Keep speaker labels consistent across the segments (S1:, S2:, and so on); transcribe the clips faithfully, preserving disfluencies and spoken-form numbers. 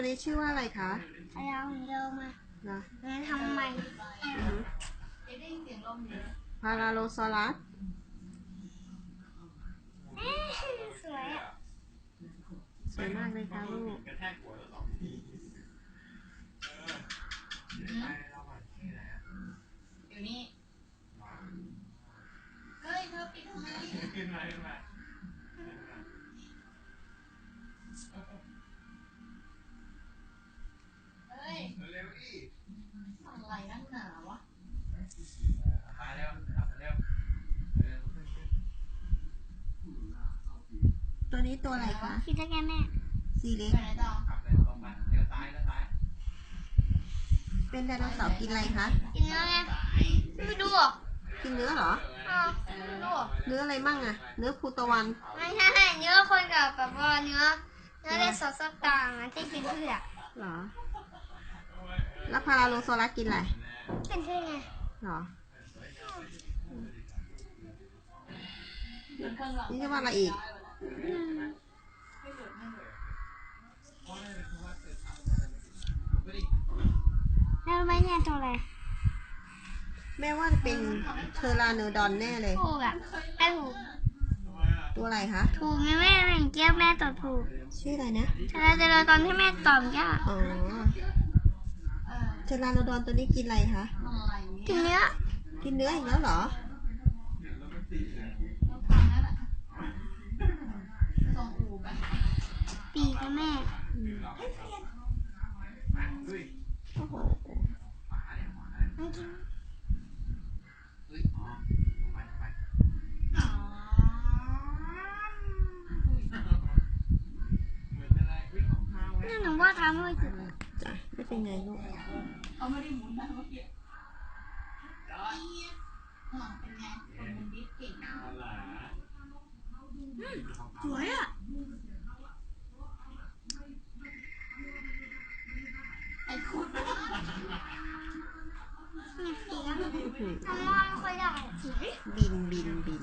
S1: นี้ชื่อว่าอะไรคะ
S2: พยาของเดิมอ่ะ
S1: นะ
S2: งั้นทำใหม่
S1: พาราโลซอรัส
S2: สวยอ่ะ
S1: สวยมากเลยค่ะลูก
S3: อยู่นี่เฮ้ยเธอปิดทำไมขึ้นมาขึ้นมาเฮ้ยเร็วดิอะไรนักหนาวะมาเร็วขับเร็ว
S1: ตัวนี้ตัวอะไรคะ
S2: คิดได้แค่แม่
S1: สีเล็ก
S3: ไปไหนต่อขับเลยตรงไปเลี้ยวซ้ายเลี้ยวซ้าย
S1: เป็นไดโนเสาร์กินอะไรคะ
S2: กินเนื้อไงไม่ดูอ่ะ
S1: กินเนื้อเหรอ
S2: อ๋อไม่ดูอ่ะ
S1: เนื้ออะไรมั่งอะเนื้อภูตะวัน
S2: ไม่ใช่เนื้อคนกับแบบว่าเนื้อเนื้อในซอสต่างๆที่กินพืชอ่ะ
S1: เหรอแล้วพาราโลซอรัสกินอะไร
S2: กินพืชไง
S1: เหรอนี่จะว่าอะไรอีก
S2: แม่รู้ไหมเนี่ยตัวอะไร
S1: แม่ว่าจะเป็นเทอราโนดอนแน่เลย
S2: ถูกอ่ะแม่ถูก
S1: ตัวอะไรคะ
S2: ถูกไหมแม่แม่เกี้ยวแม่ตอบถูก
S1: ชื่ออะไรนะ
S2: เทอราโนดอนตอนที่แม่ตอบยาก
S1: อ๋อเทอราโนดอนตัวนี้กินอะไรคะ
S2: กินเนื้อ
S1: กินเนื้ออีกแล้วเหรอ
S2: ปีกแม่
S1: โอ้โห
S2: นี่หนูว่าทำไม่ถูก
S1: จ้ะไม่เป็นไงลูก
S3: เขาไม่ได้หมุนนะเมื่อกี้เป็นไงคนมันดิสเก่งสวยอ่ะไอ้คุณ
S2: นี่ปีกทำว่าไม่ค่อยได้
S1: บินบินบิน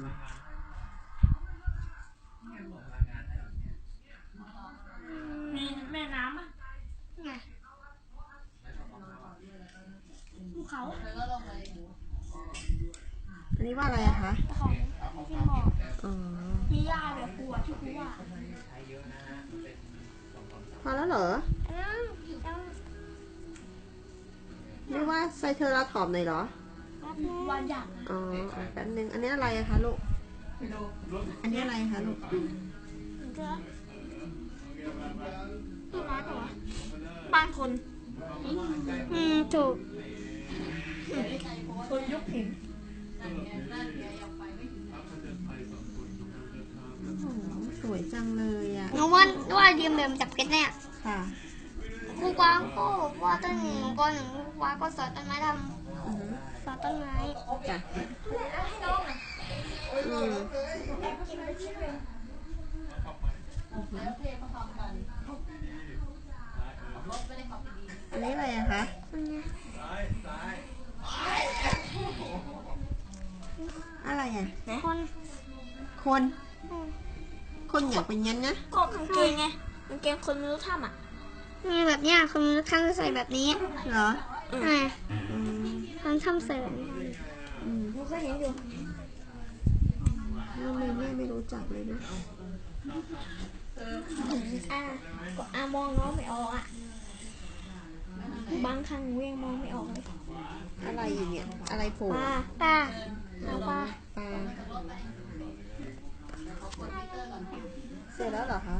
S3: มีแม่น้ำอ่ะ
S2: ไง
S3: ภูเขาแล้วก็ลงไป
S1: อันนี้ว่าอะไรอะคะ
S2: ของที่บอก
S1: อ๋อ
S3: ที่ย่าเดี๋ยวครูอ่ะที่ครูว่า
S1: พอแล้วเหรอไม่ว่าไซเทอราทอปหน่อยเหรอ
S3: วันหยัก
S1: อ๋อแป๊บนึงอันนี้อะไรอะคะลูกอันนี้อะไรคะลูก
S2: ที่ร้านเหรอ
S3: บ้านคน
S2: อืมถูก
S3: คนยกหิน
S1: สวยจังเลยอ่ะ
S2: หนูว่าว่าเดียมเดิมจับเก็ตเนี่ย
S1: ค่ะ
S2: ครูกวางก็ว่าต้นหนึ่งก็หนึ่งครูกวางก็สอนต้นไม้ทำสอนต้นไม้
S1: จ้ะอืมอันนี้อะไรอะคะอะไรอะ
S2: คน
S1: คนคนอยากเป็นงั้นนะ
S3: ก็กางเกงไงกางเกงคนไม่รู้ทำอ่ะ
S2: มีแบบเนี้ยคนไม่รู้ทำใส่แบบนี้
S1: เหรอ
S2: อ่าคนทำใส่แบบนี้
S1: อืม
S3: ก็เห็นอยู่
S1: ทำไมแม่ไม่รู้จักเลยนะ
S3: อ่าก็อ่ามองน้องไม่ออกอ่ะบางครั้งเวียงมองไม่ออกเลย
S1: อะไรอยู่เนี่ยอะไรโผล่
S2: ปลาปลาเอาปลา
S1: ปลาเสร็จแล้วเหรอคะ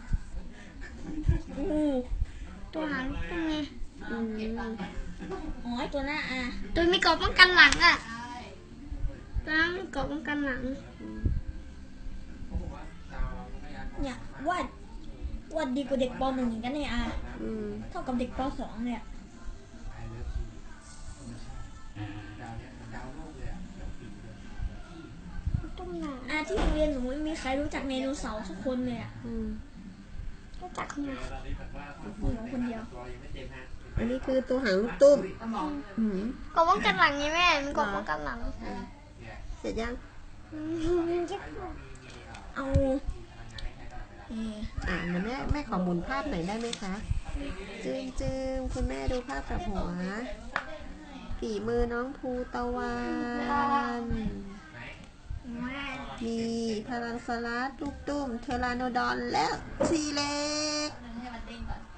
S2: อือตัวหางเป็นไง
S1: อืม
S3: อ๋อตัวหน้าอ่ะ
S2: ตัวมีกรอบป้องกันหลังอ่ะตัวมีกรอบป้องกันหลัง
S3: เนี่ยวาดวาดดีกว่าเด็กปหนึ่งอย่างกันเนี่ยอ่ะเท่ากับเด็กปสองเนี่ยอ่ะที่โรงเรียนหนูไม่มีใครรู้จักไดโนเสาร์สักคนเลยอ่ะ
S2: รู้จักคนเดียว
S3: หนูคนเดียว
S1: อันนี้คือตัวหางลูกตุ้ม
S2: กรอบป้องกันหลังไงแม่มันกรอบป้องกันหลัง
S1: เสร็จยัง
S3: เอา
S1: อ่าแม่แม่ขอหมุนภาพหน่อยได้ไหมคะจืมจืมคุณแม่ดูภาพกับหัวฝีมือน้องภูตะวันมีพาราสลัดลูกตุ้มเทอราโนดอนและทีเล